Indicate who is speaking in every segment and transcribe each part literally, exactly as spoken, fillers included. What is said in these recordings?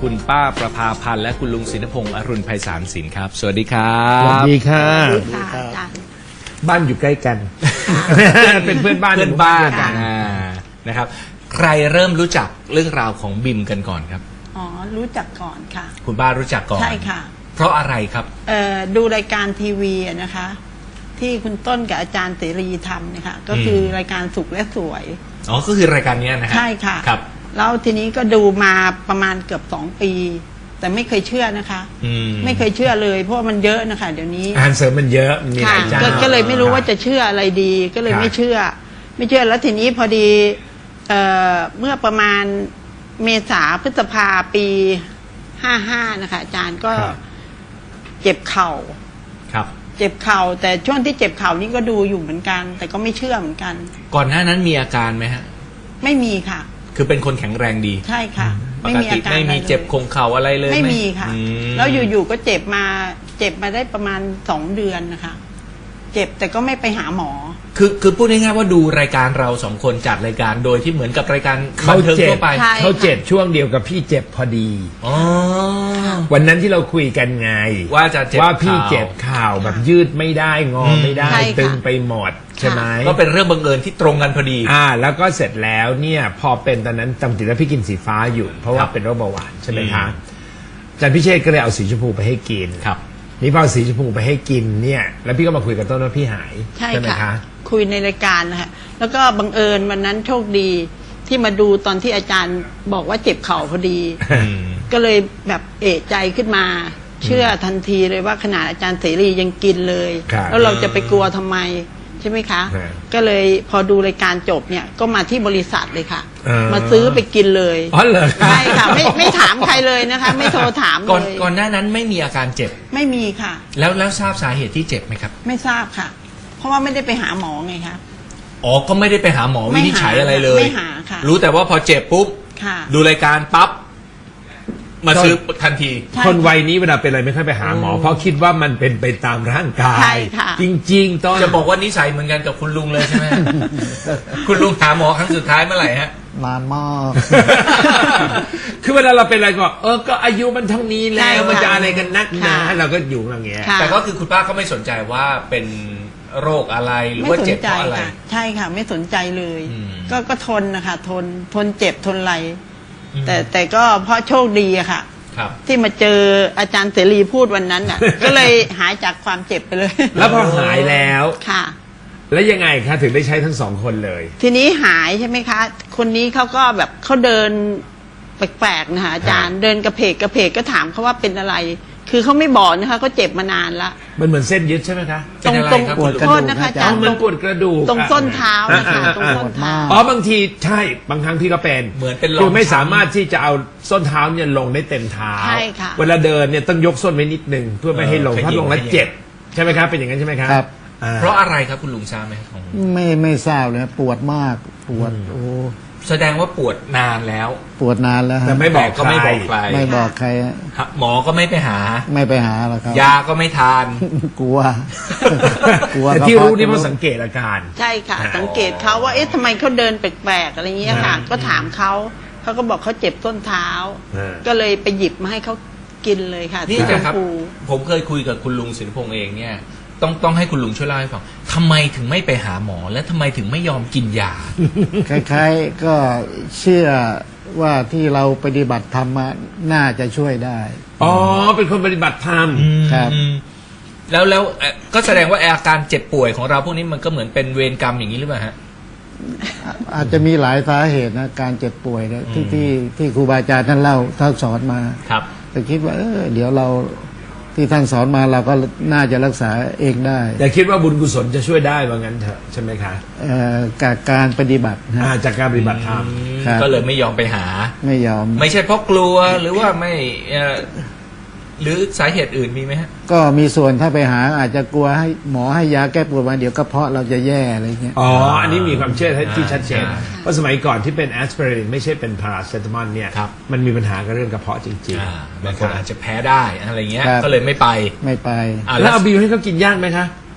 Speaker 1: คุณป้าประภาพันธ์และคุณลุงศิลพงษ์อรุณไพศาลศิลป์ครับสวัสดีครับ
Speaker 2: สวัสดีค่ะ
Speaker 3: สวัสดีค่ะอาจารย์
Speaker 2: บ้านอยู่ใกล้กัน เป็นเพื่อนบ้าน
Speaker 1: เพื่อนบ้าน
Speaker 3: ค่ะ
Speaker 1: อ่านะครับ ใครเริ่มรู้จักเรื่องราวของบิมกันก่อนครับ
Speaker 3: อ๋อรู้จักก่อนค่ะ
Speaker 1: คุณป้ารู้จักก่อน
Speaker 3: ใช่ค่ะ
Speaker 1: เพราะอะไรครับ
Speaker 3: เอ่อดูรายการทีวีอะนะคะ ที่คุณต้นกับอาจารย์เสรีทำเนี่ยค่ะก็คือรายการสุขและสวย
Speaker 1: อ๋อก็คือรายการเนี้ยนะฮะ
Speaker 3: ใช่ค่ะ
Speaker 1: ครับ
Speaker 3: แล้วทีนี้ก็ดูมาประมาณเกือบสองปี แต่ไม่เคยเชื่อนะคะ
Speaker 1: อืม
Speaker 3: ไม่เคยเชื่อเลยเพราะว่ามันเยอะนะคะ เดี๋ยวนี้
Speaker 2: อาหารเสริมมันเยอะมีห
Speaker 3: ค่ะ
Speaker 2: ลายเจ้า
Speaker 3: ก็ก็เลยไม่รู้ว่าจะเชื่ออะไรดี ก็เลย
Speaker 2: ครับ
Speaker 3: ไม่เชื่อ ไม่เชื่อแล้วทีนี้พอดีเอ่อเมื่อประมาณเมษาพฤษภาปีห้าห้านะคะอาจารย์ก็
Speaker 2: ครับ
Speaker 3: เจ็บเข่า
Speaker 1: ครับ
Speaker 3: เจ็บเข่าแต่ช่วงที่เจ็บเข่านี่ก็ดูอยู่เหมือนกัน แต่ก็ไม่เชื่อเหมือนกัน
Speaker 1: ก่อนหน้านั้นมีอาการไหมฮะ
Speaker 3: ไม่มีค่ะ
Speaker 1: คือเป็นคนแข็งแรงดี
Speaker 3: ใช่ค่ะ
Speaker 1: ป
Speaker 3: ไม่
Speaker 1: ก
Speaker 3: มีอา
Speaker 1: ติ
Speaker 3: การ
Speaker 1: ไม่มี
Speaker 3: อะรลย
Speaker 1: เจ็บคงเข่าอะไรเลย
Speaker 3: ไม่
Speaker 1: ห
Speaker 3: มีค่ะ
Speaker 1: อืม
Speaker 3: แล้วอยู่ๆก็เจ็บมาเจ็บมาได้ประมาณสองเดือนนะคะ เจ็บแต่ก็ไม่ไปหาหมอ
Speaker 1: คือคือพูดง่ายๆว่าดูรายการเราสองคนจัดรายการโดยที่เหมือนกับรายการบั
Speaker 2: เขา
Speaker 1: นเทิง
Speaker 2: เจ็
Speaker 1: ทั่
Speaker 2: บ
Speaker 1: วไป
Speaker 3: ใช่
Speaker 2: เขาเจ็บช่วงเดียวกับพี่เจ็บพอดี
Speaker 1: อ๋อ
Speaker 2: วันนั้นที่เราคุยกันไง
Speaker 1: ว่าจะเจ็บ
Speaker 2: ว่าพี่
Speaker 1: ข่าว
Speaker 2: เจ็บข่าวแบบยืดไม่ได้งอไม่ได้
Speaker 3: ใช่ค่ะ
Speaker 2: ตึงไปหมดใช่ไหม
Speaker 1: ก็เป็นเรื่องบังเอิญที่ตรงกันพอดี
Speaker 2: อ่า แล้วก็เสร็จแล้วเนี่ยพอเป็นตอนนั้นจำติดว่าพี่กินสีฟ้าอยู่ เพราะว่า
Speaker 1: ครับ
Speaker 2: เป็นโรคเบาหวานใช่ไหมคะ
Speaker 1: อืม
Speaker 2: อาจารย์พิเชษก็เลยเอาสีชมพูไปให้กิน
Speaker 1: ครับ
Speaker 2: นี่พอเอาสีชมพูไปให้กินเนี่ย แล้วพี่ก็มาคุยกับต้นว่าพี่หาย
Speaker 3: ใช่
Speaker 2: ไหม
Speaker 3: ค่ะ
Speaker 2: คะ
Speaker 3: คุยในรายการนะคะแล้วก็บังเอิญวันนั้นโชคดีที่มาดูตอนที่อาจารย์บอกว่าเจ็บเข่าพอดี
Speaker 1: อืม
Speaker 3: ก็เลยแบบเอะใจขึ้นมา เชื่อทันทีเลยว่าขนาดอาจารย์เสรียังกินเลย
Speaker 2: ครับ
Speaker 3: แล้วเราจะไปกลัวทำไมใช่ไหมคะ
Speaker 2: ฮะ
Speaker 3: ก็เลยพอดูรายการจบเนี่ยก็มาที่บริษัทเลยค่ะ
Speaker 2: อ่าม
Speaker 3: มาซื้อไปกินเลย
Speaker 2: อ๋อเหรอ
Speaker 3: ใช่ค่ะไม่ไม่ถามใครเลยนะคะ ไม่โทรถาม
Speaker 1: ก่อน
Speaker 3: เลย
Speaker 1: ก่อนหน้านั้นไม่มีอาการเจ็บ
Speaker 3: ไม่มีค่ะ
Speaker 1: แล้วแล้วทราบสาเหตุที่เจ็บไหมครับ
Speaker 3: ไม่ทราบค่ะ เพราะว่าไม่ได้ไปหาหมอไงคะ
Speaker 1: อ๋อ ก็ไม่ได้ไปหาหมอ
Speaker 3: ไม่
Speaker 1: วิ
Speaker 3: หา
Speaker 1: นิจฉัยอะไรเลย
Speaker 3: ไม่หาค่ะ
Speaker 1: รู้แต่ว่าพอเจ็บปุ๊บ
Speaker 3: ค่ะ
Speaker 1: ดูรายการปั๊บ มาซื้อทันที
Speaker 3: ใช่
Speaker 2: คนวัยนี้เวลาเป็นอะไรไม่ค่อยไปหาหมอ เพราะคิดว่ามันเป็นไปตามร่างกา
Speaker 3: ใช่
Speaker 2: ย
Speaker 3: ค่ะ
Speaker 2: จริง ๆต้น
Speaker 1: จะบอกว่านิสัยเหมือนกันกับคุณลุงเลยใช่ไหม คุณลุงหาหมอครั้งสุดท้ายเมื่อไหร่ฮะ
Speaker 4: นานมาก
Speaker 2: คือเวลาเราเป็นอะไรก็ เออก็อายุมันเท่านี้
Speaker 3: ใช่
Speaker 2: แล้ว
Speaker 3: ค่ะ
Speaker 2: มันจะอะไรกันนักหนา
Speaker 3: ค่ะ
Speaker 2: เราก็อยู่อย่างเงี้ย
Speaker 3: ค่ะ
Speaker 1: แต่ก็คือคุณป้าก็ไม่สนใจว่าเป็นโรคอะไรหรือ
Speaker 3: ไม่
Speaker 1: ว่า
Speaker 3: สน
Speaker 1: เจ็บ
Speaker 3: ใจ
Speaker 1: เพราะอะไร
Speaker 3: ค่ะ ใช่ค่ะ ไม่สนใจเลย
Speaker 1: อืม
Speaker 3: ก็ก็ทนนะคะทนทนเจ็บทนไร
Speaker 1: อืม
Speaker 3: แต่แต่ก็เพราะโชคดีอะค่ะ
Speaker 1: ครับ
Speaker 3: ที่มาเจออาจารย์เสรีพูดวันนั้น น่ะ ก็เลยหายจากความเจ็บไปเลย
Speaker 2: แล้วพอหายแล้ว
Speaker 3: ค่ะ
Speaker 2: แล้วยังไงคะถึงได้ใช้ทั้งสองคนเลย
Speaker 3: ทีนี้หายใช่ไหมคะ คนนี้เขาก็แบบเขาเดินแปลกๆนะคะอาจารย์เดินกระเพกกระเพกก็ถามเขาว่าเป็นอะไร คือเขาไม่บอกนะคะเขาเจ็บมานานละ
Speaker 2: มันเหมือนเส้นยึดใช่ไหมคะ
Speaker 1: เป็นอะไร
Speaker 3: ตรง
Speaker 1: ครับ
Speaker 3: ๆ
Speaker 1: คุณลุง
Speaker 3: โทษนะคะอา
Speaker 2: อ๋
Speaker 3: จา
Speaker 2: อ
Speaker 3: รย์
Speaker 2: มันปวดกระดูก
Speaker 3: ตรงส้นเท้านะคะ
Speaker 2: อ่า
Speaker 3: ตรงส้นเท้า
Speaker 2: อ๋อบางทีใช่บางครั้งพี่ก็เป็น
Speaker 1: เหมือนเป็นรอง
Speaker 2: คือไม่
Speaker 1: ช้ำ
Speaker 2: สามารถที่จะเอาส้นเท้าเนี่ยลงได้เต็มเท้า
Speaker 3: ใช่ค่ะ
Speaker 2: เวลาเดินเนี่ยต้องยกส้นไว้นิดนึงเพื่อไม่ให้ลง
Speaker 1: เออ
Speaker 2: ถ้าลงแล้ว
Speaker 1: ขยิบ
Speaker 2: เจ็บใช่ไหมครับเป็นอย่างนั้นใช่ไหมครับ
Speaker 4: ครับ
Speaker 2: อ่
Speaker 1: เพราะอะไรครับคุณลุงทราบไหมของ
Speaker 4: ไม่ไม่ทราบเลยปวดมากปวดโอ้
Speaker 1: แสดงว่าปวดนานแล้ว
Speaker 4: ปวดนานแล้วฮะ
Speaker 2: แต่ไม่บอก
Speaker 1: ก็ไม่บอกใคร
Speaker 4: ไม่บอกใครฮะ
Speaker 1: หมอก็ไม่ไปหา
Speaker 4: ไม่ไปหาหรอกครับ
Speaker 1: ยาก็ไม่ทาน
Speaker 4: กลัว กลัว
Speaker 2: แต่
Speaker 4: กะ
Speaker 2: ที่รู้
Speaker 4: เพาะ
Speaker 2: นี่เพราะ
Speaker 4: จะ
Speaker 2: สังเกตอาการ
Speaker 3: ใช่ค่ะ สังเกตเขาว่าเอ๊ะทำไมเขาเดินแปลกๆอะไรเงี้ยค่ะ
Speaker 2: อ่า
Speaker 3: ก็ถามเขาเขาก็บอกเขาเจ็บส้นเท้า
Speaker 2: อ่า
Speaker 3: ก็เลยไปหยิบมาให้เขากินเลยค่ะ
Speaker 1: นี่
Speaker 3: สีชม
Speaker 1: นะครับ
Speaker 3: พู
Speaker 1: ผมเคยคุยกับคุณลุงศิลปงษ์เองเนี่ย ต้องต้องให้คุณลุงช่วยเล่าให้ฟังทำไมถึงไม่ไปหาหมอ และทำไมถึงไม่ยอมกินยา
Speaker 4: คล้ายๆก็เชื่อว่าที่เราปฏิบัติธรรมมาน่าจะช่วยได้
Speaker 2: อ๋อเป็นคนปฏิบัติธรรม
Speaker 4: ครับ
Speaker 1: อืมแล้วแล้วเอ่อก็แสดงว่าอาการเจ็บป่วยของเราพวกนี้มันก็เหมือนเป็นเวรกรรมอย่างนี้หรือเปล่าฮะ
Speaker 4: อ่ะอาจจะมีหลายสาเหตุนะการเจ็บป่วยเนี่ยที่
Speaker 1: อืม
Speaker 4: ที่ที่ครูบาอาจารย์ท่านเล่าท่านสอนมา
Speaker 1: ครับ
Speaker 4: แต่คิดว่าเออเดี๋ยวเราที่ท่านสอนมาเราก็น่าจะรักษาเองได้
Speaker 2: แต่คิดว่าบุญกุศลจะช่วยได้ว่างั้นเถอะใช่ไหมคะ
Speaker 4: เอ่อกับการปฏิบัตินะ
Speaker 2: อ่าจากการปฏิบัติธรรม
Speaker 4: ครับ
Speaker 1: ก็เลยไม่ยอมไปหา
Speaker 4: ไม่ยอม
Speaker 1: ไม่ใช่เพราะกลัวหรือว่าไม่เอ่อหรือสาเหตุอื่นมีไหมฮะ
Speaker 4: ก็มีส่วนถ้าไปหาอาจจะกลัวให้หมอให้ยาแก้ปวดมาเดี๋ยวกระเพาะเราจะแย่อะไรเงี้ย
Speaker 2: อ๋อ อันนี้มีความเชื่อที่ชัดเจน
Speaker 1: อ่า
Speaker 2: เพราะสมัยก่อนที่เป็นแอสไพรินไม่ใช่เป็นพาราเซตามอลเนี่ย
Speaker 1: ครับ
Speaker 2: มันมีปัญหากับเรื่องกระเพาะจริง
Speaker 1: อ่า
Speaker 2: ๆ
Speaker 1: บาง
Speaker 2: นะ
Speaker 1: ค
Speaker 2: คน รับ
Speaker 1: อาจจะแพ้ได้อะไรเงี้ย
Speaker 4: ครับ
Speaker 1: ก็เลยไม่ไป
Speaker 4: ไม่ไป
Speaker 1: อ่า
Speaker 2: แล้วเอาบิวให้เขากินยากไหมคะ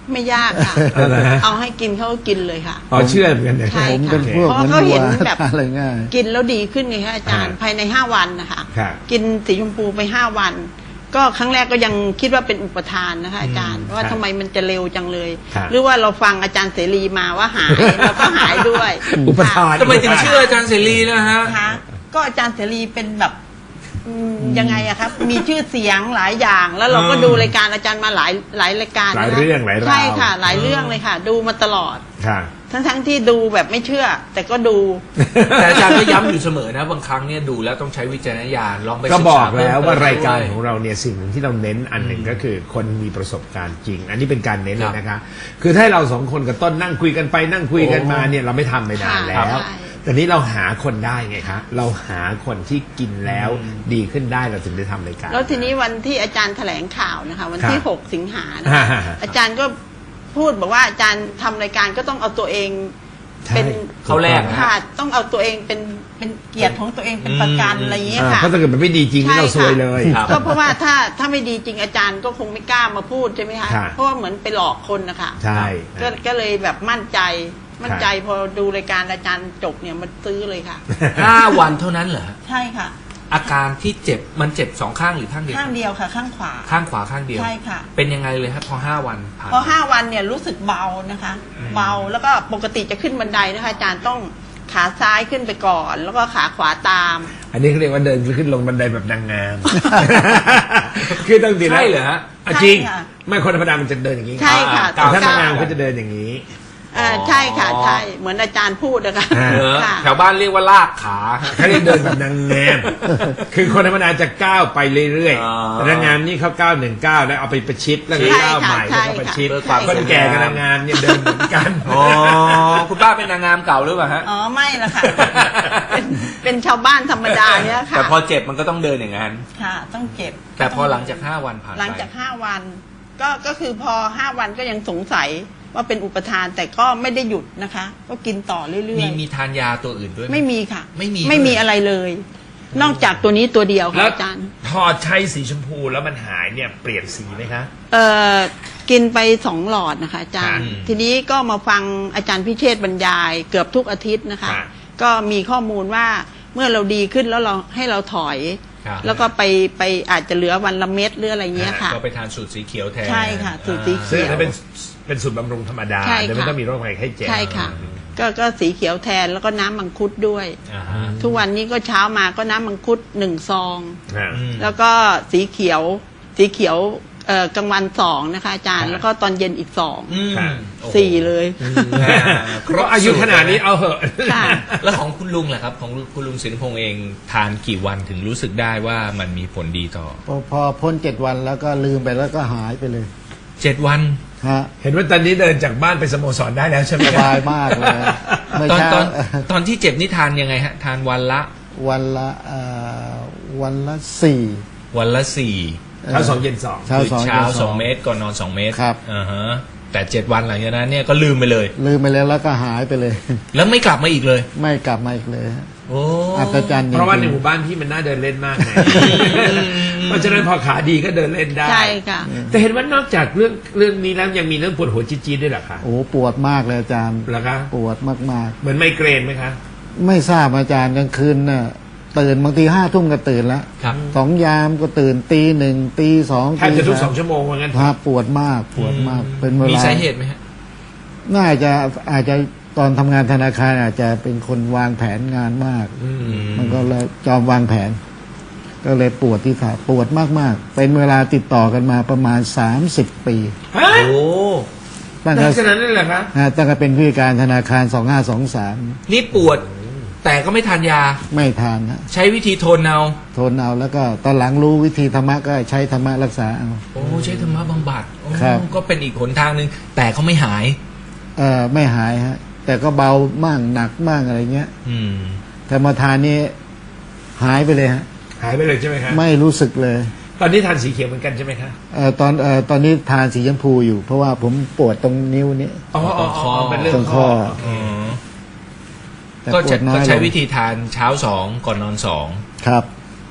Speaker 3: ไม่ยากค่ะ
Speaker 2: เอาเหรอฮะ
Speaker 3: เอาให้กินเขาก็กินเลยค่ะ
Speaker 2: อ๋อเชื่อเหมือนกันเนี่ย
Speaker 3: ใช่
Speaker 4: ผม
Speaker 3: ค่ะ
Speaker 4: เป็นพวก
Speaker 3: เพราะ
Speaker 4: มัน
Speaker 3: เขาเห็น
Speaker 4: วัว
Speaker 3: แบบ
Speaker 4: อะไรง่าย
Speaker 3: กินแล้วดีขึ้นไงคะอาจารย์
Speaker 2: อ่า
Speaker 3: ภายในห้าวันนะคะ
Speaker 2: ครับ
Speaker 3: กินสีชมพูไปห้าวัน ก็ครั้งแรกก็ยังคิดว่าเป็นอุปทานนะคะอาจารย์ว่าทำไมมันจะเร็วจังเลย
Speaker 2: ครับ
Speaker 3: หรือว่าเราฟังอาจารย์เสรีมาว่าหายแล้วก็หายด้วย
Speaker 2: อุปทาน
Speaker 1: ทำไมถึงเชื่ออาจารย์เสรีนะฮะ
Speaker 3: นะคะก็อาจารย์เสรีเป็นแบบอืมยังไงอะครับ มีชื่อเสียงหลายอย่าง แล้วเราก็
Speaker 1: อืม
Speaker 3: ดูรายการอาจารย์มาหลายหลายรายการ
Speaker 2: หลาย
Speaker 3: นะคะ
Speaker 2: เรื่องหลายราว
Speaker 3: ใช่ค่ะ หลายเรื่องเลยค่ะ ดูมาตลอด
Speaker 2: ค่ะ
Speaker 3: ทั้งทั้งๆที่ดูแบบไม่เชื่อ แต่ก็ดู
Speaker 1: แต่อาจารย์ก็ย้ำอยู่เสมอนะบางครั้งเนี่ยดูแล้วต้องใช้วิจารณญาณลองไป
Speaker 2: ก็
Speaker 1: ศึ
Speaker 2: บ
Speaker 1: ษา
Speaker 2: อกแล้ว
Speaker 1: เพิ่มเติม
Speaker 2: ว่ารายการ
Speaker 1: ด้วย
Speaker 2: ของเราเนี่ยสิ่งหนึ่งที่เราเน้นอันหนึ่งก็คือคนมีประสบการณ์จริง อันนี้เป็นการเน้นเลยนะคะ คือถ้าเราสองคนกับต้นนั่งคุยกันไปนั่งคุยกันมาเนี่ยเราไม่ทำไปนานแล้ว
Speaker 3: ค่ะใช่
Speaker 2: แต่นี้เราหาคนได้ไงคะเราหาคนที่กินแล้วดีขึ้นได้เราถึงได้ทำรายการ
Speaker 3: แล้วทีนี้วันที่อาจารย์แถลงข่าวนะคะ วันที่
Speaker 2: ครับ
Speaker 3: หกสิงหานะคะ
Speaker 2: อ่า
Speaker 3: อาจารย์ก็พูดบอกว่าอาจารย์ทำรายการก็ต้องเอาตัวเอง
Speaker 2: ใช่
Speaker 3: เป็น
Speaker 1: เขาแรกนะ
Speaker 3: ค่ะต้องเอาตัวเองเป็นเป็นเกียรติของตัวเองเป็นประกัน
Speaker 1: อืม
Speaker 3: อะไรอย่างเงี้ย
Speaker 2: อ่า
Speaker 3: ค่ะ
Speaker 2: เพราะถ้าเกิดมันไม่ดีจริงนี่เราซวยเลย
Speaker 1: ครับ
Speaker 3: ก็เพราะว่าถ้าถ้าไม่ดีจริงอาจารย์ก็คงไม่กล้ามาพูดใช่ไหมคะ
Speaker 2: ค่ะ
Speaker 3: เพราะว่าเหมือนไปหลอกคนนะคะ
Speaker 2: ใช่
Speaker 3: ก็ก็เลยแบบมั่นใจมั่นใจพอดูรายการอาจารย์จบเนี่ยมันซื้อเลยค่ะ
Speaker 1: ห้าวันเท่านั้นเหรอ
Speaker 3: ใช่ค่ะ
Speaker 1: อาการที่เจ็บมันเจ็บสองข้างหรือข้างเดียว
Speaker 3: ข้างเดียวค่ะ ข้างขวา
Speaker 1: ข้างขวาข้างเดียว
Speaker 3: ใช่ค่ะ
Speaker 1: เป็นยังไงเลยครับพอห้าวันผ่าน
Speaker 3: พอห้าวันเนี่ยรู้สึกเบานะคะ เบาแล้วก็ปกติจะขึ้นบันไดนะคะอาจารย์ต้องขาซ้ายขึ้นไปก่อน แล้วก็ขาขวาตาม
Speaker 2: อันนี้เขาเรียกว่าเดินขึ้นลงบันไดแบบนางงาม คือต้องดีนะ
Speaker 1: ใช่เหรอฮะ
Speaker 2: อ่ะจริง
Speaker 3: ใช่ค่ะ
Speaker 2: ไม่คนธรรมดามันจะเดินอย่างนี้
Speaker 3: ใช่ค่ะ
Speaker 2: แต่ถ้า
Speaker 3: ต้อง
Speaker 2: นาง
Speaker 3: ก้าว
Speaker 2: งามเขาจะเดินอย่างนี้
Speaker 3: เออใช่ค่ะใช่เหมือนอาจารย์พูดนะคะ
Speaker 2: อ่า
Speaker 1: เหรอ
Speaker 3: ค่ะ
Speaker 1: แถวบ้านเรียกว่าลากขาฮะ
Speaker 2: เขาเรียกเดินแบบนางงาม คือคนธรรมดาจะก้าวไปเรื่อย
Speaker 1: อ๋อ
Speaker 2: ๆแต่นางงามนี่เขาก้าวหนึ่งก้าวแล้วเอาไปประชิดแล้วก็
Speaker 3: ใช่
Speaker 2: ก้าว
Speaker 3: ค่ะ
Speaker 2: ใหม่
Speaker 3: ใช่
Speaker 2: แล้วก็ประ
Speaker 3: ค่ะ
Speaker 2: ชิด
Speaker 1: เพื่อความ
Speaker 2: คนแก่กับนางงามเนี่ยเดินเหมือนกัน
Speaker 1: อ๋อคุณป้าเป็นนางงามเก่าหรือเปล่าฮะ
Speaker 3: อ๋อไม่ละค่ะ เป็นเป็นชาวบ้านธรรมดาเนี่ยค่ะ
Speaker 1: แต่พอเจ็บมันก็ต้องเดินอย่างนั้น
Speaker 3: ค่ะ ต้องเจ็บ
Speaker 1: แต่พอหลังจากห้าวันผ่านไป
Speaker 3: หลังจากห้าวัน ก็ก็คือพอห้าวันก็ยังสงสัยว่าเป็นอุปทานแต่ก็ไม่ได้หยุดนะคะ ก็กินต่อเรื่อย
Speaker 1: มีมีทานยาตัวอื่นด้วยห
Speaker 3: ๆ ไม่มีค่ะ
Speaker 1: ไม่มี
Speaker 3: ไม่มี
Speaker 1: ด้วย
Speaker 3: อะไรเลย นอกจากตัวนี้ตัวเดียว
Speaker 2: แล้
Speaker 3: ค่ะ
Speaker 2: ว
Speaker 3: อาจารย์
Speaker 2: พอใช้สีชมพูแล้วมันหายเนี่ยเปลี่ยนสีไหมคะ
Speaker 3: เอ่อกินไปสองหลอดนะคะอาจารย์
Speaker 2: ค่ะ
Speaker 3: ทีนี้ก็มาฟังอาจารย์พิเชษฐ์บรรยายเกือบทุกอาทิตย์นะคะ
Speaker 2: ค่ะ
Speaker 3: ก็มีข้อมูลว่าเมื่อเราดีขึ้นแล้วเราให้เราถอย
Speaker 1: ครับ
Speaker 3: แล้วก็ไปไปอาจจะเหลือวันละเม็ดหรืออะไรเงี้ยค่ะ
Speaker 1: ก็ไปทานสูตรสีเขียวแทน
Speaker 3: ใช่ค่ะสูตรสีเขียว
Speaker 2: ซึ่งอันนั้นเป็นเป็นสูตรบำรุงธรรมดา
Speaker 3: ใช่ค่ะ
Speaker 2: โดยไม่ต้องมีโรคภัยไข้เจ็บ
Speaker 3: ใช่ค่ะ ก็ก็สีเขียวแทนแล้วก็น้ำมังคุดด้วย
Speaker 1: อ่าฮะ
Speaker 3: ทุกวันนี้ก็เช้ามาก็น้ำมังคุดหนึ่งซอง
Speaker 2: อ่า
Speaker 1: อืม
Speaker 3: แล้วก็สีเขียว สีเขียวเอ่อกลางวันสองนะคะอาจารย์
Speaker 2: ค่ะ
Speaker 3: แล้วก็ตอนเย็นอีกสอง
Speaker 1: อืม
Speaker 2: ค่ะ
Speaker 1: โอ้โห
Speaker 3: สี่เลย
Speaker 1: อ่า
Speaker 2: เพราะอายุขนาดนี้เอาเหอะ
Speaker 3: ค่ะ
Speaker 1: แล้วของคุณลุงล่ะครับ ของคุณลุงสินพงษ์เองทานกี่วันถึงรู้สึกได้ว่ามันมีผลดีต่อ
Speaker 4: พอพอพ้นเจ็ดวันแล้วก็ลืมไปแล้วก็หายไปเลย
Speaker 1: เจ็ดวัน
Speaker 4: ฮะ
Speaker 2: เห็นว่าตอนนี้เดินจากบ้านไปสโมสรได้แล้วใช่ไหม
Speaker 4: สบายมากเลยเมื่อ
Speaker 1: ตอน
Speaker 4: เช้า
Speaker 1: ตอนตอนที่เจ็บนี่ทานยังไงฮะ ทานวันละ
Speaker 4: วันละเอ่อวันละสี่
Speaker 1: วันละสี่
Speaker 2: เช้าสองเย็นสอง
Speaker 4: เช้า
Speaker 1: คือ
Speaker 4: สอง
Speaker 1: เช้า
Speaker 4: ย็น
Speaker 1: สองเมตรก่อนนอนสองเมตร
Speaker 4: ครับ
Speaker 1: อ่าฮะแต่เจ็ดวันหลังจากนั้นเนี่ยก็ลืมไปเลย
Speaker 4: ลืมไปแล้วแล้วก็หายไปเลย
Speaker 1: แล้วไม่กลับมาอีกเลย
Speaker 4: ไม่กลับมาอีกเลยฮะ
Speaker 1: โอ้
Speaker 4: อัศจรรย์จงๆ
Speaker 2: เพราะว่าในหมู่บ้านพี่มันน่าเดินเล่นมากไงเพราะฉะนั้นพอขาดีก็เดินเล่นได้
Speaker 3: ใช่ค่ะ
Speaker 2: แต่เห็นว่านอกจากเรื่องเรื่องนี้แล้วยังมีเรื่องปวดหัวจี๊ดๆด้วยเหรอคะ
Speaker 4: โอ้ปวดมากเลยอาจารย์
Speaker 2: เหรอคะ
Speaker 4: ปวดมาก
Speaker 2: เหมือนไมเกรนไหมคะ
Speaker 4: ๆ ไม่ทราบอาจารย์กลางคืนน่ะตื่นบางทีห้าทุ่มก็ตื่นแล้ว
Speaker 1: ครับ
Speaker 4: สองยามก็ตื่นตีหนึ่งตีสอง
Speaker 2: แทบจะทุกส
Speaker 4: สา
Speaker 2: อง
Speaker 4: ม
Speaker 2: ชั่วโมงว่างั้น
Speaker 4: พาปวดมากปวดมากเป็นเวลา
Speaker 1: มี
Speaker 4: มี
Speaker 1: สาเหตุไหมฮะ
Speaker 4: น่าจะอาจจะตอนทำงานธนาคารอาจจะเป็นคนวางแผนงานมาก
Speaker 2: อืม
Speaker 4: มันก็เลยจอมวางแผน ก็เลยปวดที่ขาปวดมากๆ เป็นเวลาติดต่อกันมาประมาณสามสิบปี
Speaker 2: ฮะ
Speaker 1: โอ้
Speaker 4: ตั้งแต่
Speaker 2: ลักษณะนั้นเลยเหรอคะ
Speaker 4: อ่าตั้งแต่เป็นผู้จัดการธนาคารสองห้าสองสาม
Speaker 1: นี่ปวด แต่ก็ไม่ทานยา
Speaker 4: ไม่ทานนะ
Speaker 1: ใช้วิธีทนเอา
Speaker 4: ทนเอาแล้วก็ตอนหลังรู้วิธีธรรมะก็ใช้ธรรมะรักษาเอา
Speaker 1: โอ้ใช้ธรรมะบำบัดโอ้
Speaker 4: ครับ
Speaker 1: ก็เป็นอีกหนทางหนึ่งแต่เขาไม่หาย
Speaker 4: เออไม่หายฮะ แต่ก็เบามั่งหนักมั่งอะไรเงี้ย
Speaker 1: อืม
Speaker 4: แต่มาทานนี้หายไปเลยฮะ
Speaker 2: หายไปเลยใช่ไหมคะ
Speaker 4: ไม่รู้สึกเลย
Speaker 2: ตอนนี้ทานสีเขียวเหมือนกันใช่ไหมคะ
Speaker 4: เออตอนเออตอนนี้ทานสีชมพูอยู่ เพราะว่าผมปวดตรงนิ้วนี้
Speaker 2: อ๋ออ๋ออ๋อเป็นเรื่อ
Speaker 4: ตรง ง
Speaker 2: ข้
Speaker 4: ข้
Speaker 2: อ
Speaker 4: อ
Speaker 1: อ๋อ
Speaker 4: แต่
Speaker 1: ก็
Speaker 4: ปว
Speaker 1: จะ
Speaker 4: ดน้อ
Speaker 1: ก็
Speaker 4: ยล
Speaker 1: ใช้
Speaker 4: ง
Speaker 1: วิธีทานเช้าสองก่อนนอนสอง
Speaker 4: ครับ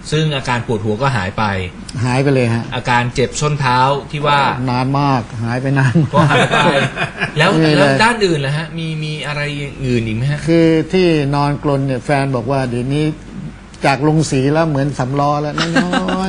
Speaker 1: ซึ่งอาการปวดหัวก็หายไป
Speaker 4: หายไปเลยฮะ
Speaker 1: อาการเจ็บส้นเท้าที่ว่าน
Speaker 4: านมากหายไปนาน
Speaker 1: ก็
Speaker 4: มาก
Speaker 1: หายไป แล้ว
Speaker 4: ไม่มีเลย
Speaker 1: แล้วด้านอื่นล่ะฮะมีมีอะไรอื่นอีกไหมฮะ
Speaker 4: คือที่นอนกลนเนี่ยแฟนบอกว่าเดี๋ยวนี้จากลงสีแล้วเหมือนสำล้อแล้วน้อย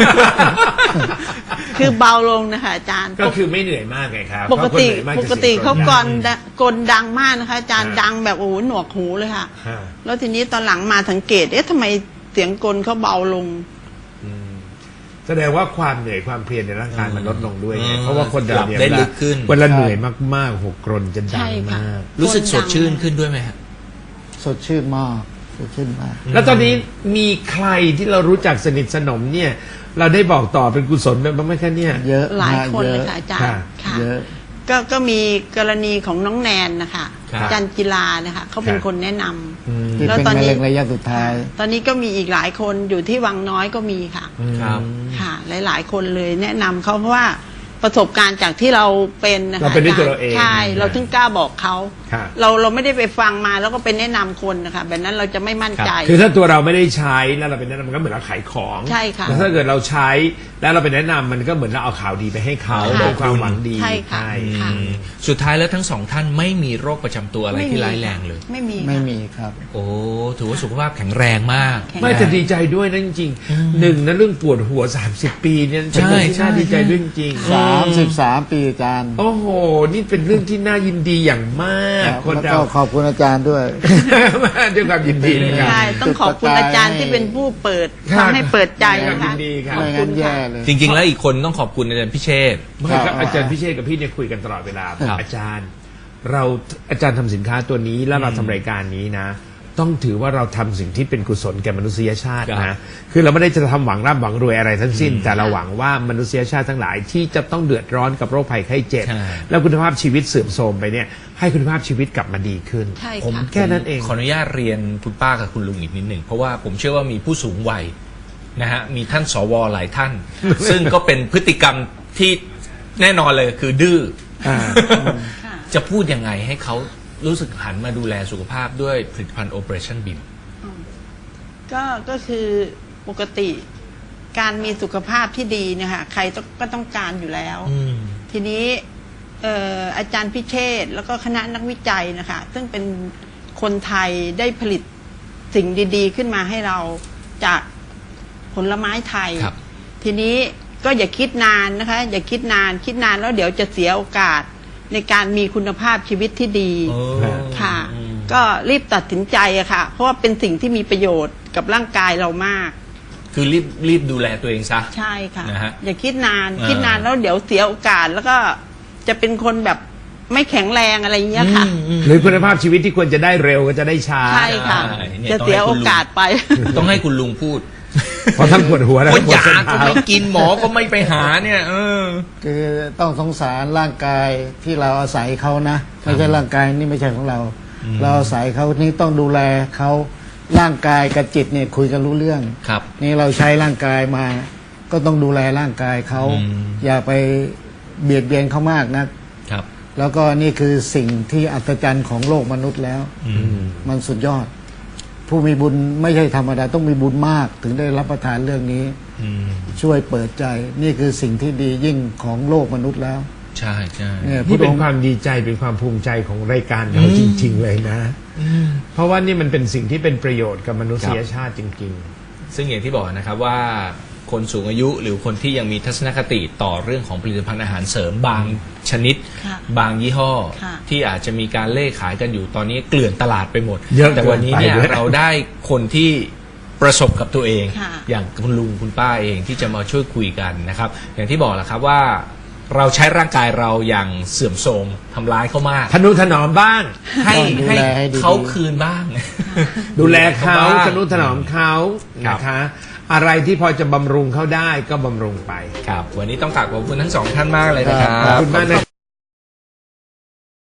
Speaker 3: คือเบาลงนะคะอาจารย์
Speaker 2: ก็คือไม่เหนื่อยมากไงครับ
Speaker 3: ปกติ
Speaker 2: เพราะคนเหนื่อยมาก
Speaker 3: ป
Speaker 2: จะ
Speaker 3: กติ
Speaker 2: สียง
Speaker 3: เขา
Speaker 2: ดัง
Speaker 3: กรดะกลดังมากนะคะ อาจารย์
Speaker 2: ฮะ
Speaker 3: ดังแบบโอ้โหหนวกหูเลยค่ะ
Speaker 2: ฮะ
Speaker 3: แล้วทีนี้ตอนหลังมาสังเกตเอ๊ะทำไมเสียงกลเขาเบาลง
Speaker 2: อืมแสดงว่าความเหนื่อยความเพลียในร่างกายมันลดลงด้วยไง
Speaker 1: อืม
Speaker 2: เพราะว่าคนเรา
Speaker 1: หลับ
Speaker 2: เนี่ย
Speaker 1: ได้
Speaker 2: เวลา
Speaker 1: ลึกขึ้น
Speaker 2: เวลาเหนื่อยมากๆหกกรนจะดั
Speaker 3: ใช่
Speaker 2: ง
Speaker 3: ค่ะ
Speaker 2: มาก
Speaker 1: รู้สึกสดชื่นขึ้นด้วยไหมฮะ
Speaker 4: ๆ สดชื่นมากสดชื่นมาก
Speaker 2: แล้วตอนนี้มีใครที่เรารู้จักสนิทสนมเนี่ย เราได้บอกต่อเป็นกุศลไปบ้างไหมคะเนี่ย
Speaker 4: เยอะ
Speaker 3: หลาย
Speaker 4: มก
Speaker 3: คน
Speaker 4: เย
Speaker 3: เลย
Speaker 4: อะ
Speaker 3: ค่ะอาจารย์
Speaker 2: ค่ะ
Speaker 3: ค่ะ
Speaker 4: เยอะ
Speaker 3: ก็ก็มีกรณีของน้องแนนนะคะ
Speaker 1: ครับ
Speaker 3: จันจิลานะคะเขาเป็น
Speaker 2: ครับ
Speaker 3: คนแนะนำ
Speaker 2: อืม
Speaker 4: ที่
Speaker 3: แล้ว
Speaker 4: เป็น
Speaker 3: ตอน
Speaker 4: มะ
Speaker 3: นี้
Speaker 4: เร็งระยะสุดท้าย
Speaker 3: ตอนนี้ก็มีอีกหลายคนอยู่ที่วังน้อยก็มีค่ะ
Speaker 1: ครับ
Speaker 3: ค่ะ หลาย ๆ คนเลยแนะนำเขาเพราะว่าประสบการณ์จากที่เราเป็นนะคะ
Speaker 2: เราเป็นด้วยตัวเราเอง
Speaker 3: ใช่ เราถึงกล้าบอกเขา
Speaker 2: ค่ะ
Speaker 3: เราเราไม่ได้ไปฟังมาแล้วก็เป็นแนะนำคนนะคะแบบนั้นเราจะไม่มั่นใจ
Speaker 2: คือถ้าตัวเราไม่ได้ใช้แล้วเราเป็นแนะนำมันก็เหมือนเราขายของ
Speaker 3: ใช่ค่ะ
Speaker 2: แล้วถ้าเกิดเราใช้แล้วเราเป็นแนะนำมันก็เหมือนเราเอาข่าวดีไปให้เขา
Speaker 3: ค่ะ
Speaker 2: เป็นความหวังดี
Speaker 3: ใช่ค่ะ ค่ะ
Speaker 1: อืมสุดท้ายแล้วทั้งสองท่านไม่มีโรคประจำตัวอะไร
Speaker 3: ไม่
Speaker 1: ที่
Speaker 3: มี
Speaker 1: ร้ายแรงเลย
Speaker 3: ไม่มี
Speaker 4: ไม่
Speaker 3: ค่ะ
Speaker 4: มีครับ
Speaker 1: โอ้ถือว่าสุขภาพแข็งแรงมาก
Speaker 3: แข็ง
Speaker 2: ไม่จะดีใจด้วยนะจริงๆหนึ่งนะเรื่องปวดหัวสามสิบปีเนี่ยเป็นเรื่องที่
Speaker 1: ใช่
Speaker 2: น่าดีใจ
Speaker 1: ใช่
Speaker 2: ด้วยจริงๆ
Speaker 4: สามสิบสามปีอาจารย์
Speaker 2: โอ้โห นี่เป็นเรื่องที่น่ายินดีอย่างมาก คน
Speaker 4: แล้ว
Speaker 2: เรา
Speaker 4: ก็ขอบคุณอาจารย์ด้วย
Speaker 2: ด้วยความยินดีนะครับ
Speaker 3: ใช่ต้องขอบคุณอาจารย์ที่เป็นผู้เปิด
Speaker 2: ครับ
Speaker 3: ทำให้เปิดใจ
Speaker 2: ด้วยความ
Speaker 3: นะคะ
Speaker 2: ยินดีครับ
Speaker 3: ขอบ
Speaker 4: ไม่
Speaker 3: คุ
Speaker 4: งั้
Speaker 3: ณ
Speaker 4: นแย่
Speaker 3: ค่ะ
Speaker 4: เลย
Speaker 1: จริง ๆ แล้วอีกคนต้องขอบคุณอาจารย์พิเชษฐ์
Speaker 2: ไม่ครับ
Speaker 4: ครับ
Speaker 2: อาจารย์พิเชษกับพี่เนี่ยคุยกันตลอดเวลา
Speaker 1: ครับ
Speaker 2: อาจารย์ เราอาจารย์ทำสินค้าตัวนี้แล้วเราทำรายการนี้นะ ต้องถือว่าเราทำสิ่งที่เป็นกุศลแก่มนุษยชาติ
Speaker 1: ครั
Speaker 2: นะ
Speaker 1: บ
Speaker 2: คือเราไม่ได้จะทำหวังร่ำหวังรวยอะไรทั้งสิ้น แต่เราหวังว่ามนุษยชาติทั้งหลายที่จะต้องเดือดร้อนกับโรคภัยไข้เจ็บ
Speaker 1: ใช่
Speaker 2: แล้วคุณภาพชีวิตเสื่อมโทรมไปเนี่ยให้คุณภาพชีวิตกลับมาดีขึ้น
Speaker 3: ใช่
Speaker 1: ผม
Speaker 3: ค่ะ
Speaker 2: แค่นั้นเอง
Speaker 1: ขออนุญาตเรียนคุณป้ากับคุณลุงอีกนิดหนึ่งเพราะว่าผมเชื่อว่ามีผู้สูงวัยนะฮะมีท่านสวหลายท่าน ซึ่งก็เป็นพฤติกรรมที่แน่นอนเลยคือดื้ออา
Speaker 3: ค่ะ
Speaker 1: จะพูดยังไงให้เขารู้สึกหันมาดูแลสุขภาพด้วยผลิตภัณฑ์ Operationบี
Speaker 3: ก็ก็คือปกติการมีสุขภาพที่ดีเนะคะใครต้องก็ต้องการอยู่แล้ว
Speaker 1: อืม
Speaker 3: ทีนี้เอ่ออาจารย์พิเชษฐ์แล้วก็คณะนักวิจัยนะคะ ซึ่งเป็นคนไทยได้ผลิตสิ่งดีๆ ขึ้นมาให้เราจากผลไม้ไทย
Speaker 1: ครับ
Speaker 3: ทีนี้ก็อย่าคิดนานนะคะ อย่าคิดนานคิดนานแล้วเดี๋ยวจะเสียโอกาสในการมีคุณภาพชีวิตที่ดี
Speaker 1: โอ้
Speaker 3: ค่ะ
Speaker 1: อืม
Speaker 3: ก็รีบตัดสินใจอะค่ะ เพราะว่าเป็นสิ่งที่มีประโยชน์กับร่างกายเรามาก
Speaker 1: คือรีบรีบดูแลตัวเองซะ
Speaker 3: ใช่ค่ะ
Speaker 1: นะฮะ
Speaker 3: อย่าคิดนาน
Speaker 1: อ่า
Speaker 3: คิดนานแล้วเดี๋ยวเสียโอกาสแล้วก็จะเป็นคนแบบไม่แข็งแรงอะไรอย่างเงี้ยค่ะ
Speaker 1: อืมอืม
Speaker 2: หรือคุณภาพชีวิตที่ควรจะได้เร็วก็จะได้ช้า
Speaker 3: ใช่ค่ะ
Speaker 1: ใช่เนี่ย
Speaker 3: จะเสียโอกาสไป
Speaker 1: ต้องให้คุณลุงพูด
Speaker 2: เพราะทั้งปวดหัวและ
Speaker 1: ก็
Speaker 2: ปวด
Speaker 1: ยา
Speaker 2: เส้น
Speaker 1: ก็
Speaker 2: เท้า
Speaker 1: ไม่กินหมอก็ไม่ไปหาเนี่ย เออ
Speaker 4: คือต้องสงสารร่างกายที่เราอาศัยเขานะ ไม่ใช่ร่างกายนี่ไม่ใช่ของเรา เราอาศัยเขานี่ต้องดูแลเขาร่างกายกับจิตเนี่ยคุยกันรู้เรื่อง
Speaker 1: ครับ
Speaker 4: นี่เราใช้ร่างกายมา ก็ต้องดูแลร่างกายเขา
Speaker 1: อืม
Speaker 4: อย่าไปเบียดเบียนเขามากนะ
Speaker 1: ครับ
Speaker 4: แล้วก็นี่คือสิ่งที่อัศจรรย์ของโลกมนุษย์แล้ว
Speaker 1: อืม
Speaker 4: มันสุดยอด ผู้มีบุญไม่ใช่ธรรมดาต้องมีบุญมาก ถึงได้รับประทานเรื่องนี้
Speaker 1: อืม
Speaker 4: ช่วยเปิดใจ นี่คือสิ่งที่ดียิ่งของโลกมนุษย์แล้ว
Speaker 1: ใช่ใช่
Speaker 4: เนี่ย
Speaker 2: นี่
Speaker 4: พ
Speaker 2: เป็
Speaker 4: ระอน งค์
Speaker 2: ความดีใจเป็นความภูมิใจของรายการเรา
Speaker 1: อืม
Speaker 2: จริง ๆ เลยนะ เพราะว่านี่มันเป็นสิ่งที่เป็นประโยชน์กับมนุษยชาติจริง
Speaker 1: ซึ่งอย่างที่บอกนะครับว่าคนสูงอายุหรือคนที่ยังมีทัศนคติต่อเรื่องของผลิตภัณฑ์อาหารเสริมบางชนิด
Speaker 3: ค่ะ
Speaker 1: บางยี่ห้อ
Speaker 3: ค่ะ
Speaker 1: ที่อาจจะมีการเล่ขายกันอยู่ตอนนี้เกลื่อนตลาดไปหมด
Speaker 2: เยอะ
Speaker 1: แต่วันนี้เนี่ย
Speaker 2: เกินไปด้วย
Speaker 1: เราได้คนที่ประสบกับตัวเอง
Speaker 3: ค่ะ
Speaker 1: อย่างคุณลุงคุณป้าเองที่จะมาช่วยคุยกันนะครับ อย่างที่บอกแหละครับว่าเราใช้ร่างกายเราอย่างเสื่อมโทรมทำร้ายเขามาก
Speaker 2: ๆ ทนุถนอมบ้าง
Speaker 1: ให้
Speaker 4: ต้องดู
Speaker 1: ให้
Speaker 4: แลให้ดีๆ
Speaker 1: เขาคืนบ้าง
Speaker 2: ดูแลเขา
Speaker 1: บ้ง
Speaker 2: ทนุถนอมเขา
Speaker 1: ครับ
Speaker 2: นะคะ อะไรที่พอจะบำรุงเขาได้ก็บำรุงไป
Speaker 1: ครับวันนี้ต้องกราบขอบคุณทั้งสองท่านมากเลยนะครับ
Speaker 2: ขอบคุณมากนะ